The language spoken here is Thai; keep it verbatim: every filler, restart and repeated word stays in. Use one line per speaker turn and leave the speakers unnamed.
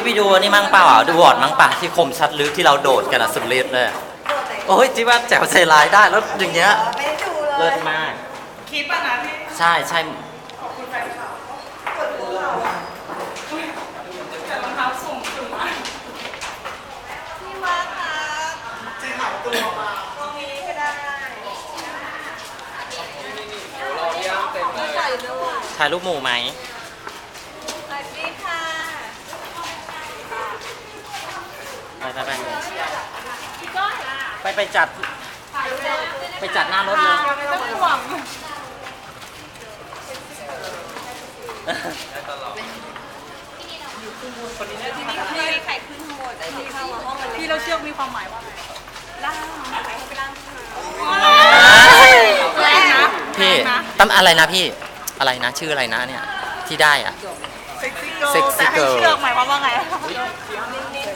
ไปดูอันนี่มั่งเปล่าอ่ะดูวอร์ดมั่งป่ะที่คมชัดลึกที่เราโดดกันอะสุดฤทธิ์เลยอะโอ้ยจิ๊บว่าแจ๋วใจร้ายได้แล้วอย่างเงี้ย
ไม่ได้ดูเลย
เลิศมาก
คลิปอ่ะนะที่
ใช่ใช่
ขอบคุณแฟนคลับแต่รองเท้าสูงสุดมาก
พี่มาร์คค่ะ
จะหายตัวมา
ตรงนี้ก็ได้ถ่ายรูป
ถ่ายรูปหมู่ไหม
สวัสดีค่ะ
ไปไปไปไปไปจัดไปจัดหน้ารถเลย
ไม่ต้องห่วง
พี่ไข่ขึ้นข้างบนไอ้ที่เข้ามาห้องมัน
พี่เราเชือกมีความหมายว่าไง
ล่างไข่ให้ไปล่าง
แรงนะ
พี่ตั้มอะไรนะพี่อะไรนะชื่ออะไรนะเนี่ยที่ได้อ่ะ
เซ็กซี่เกิร์ล
Sexy
แต่ให้
girl
เชือกหมายความว่าไง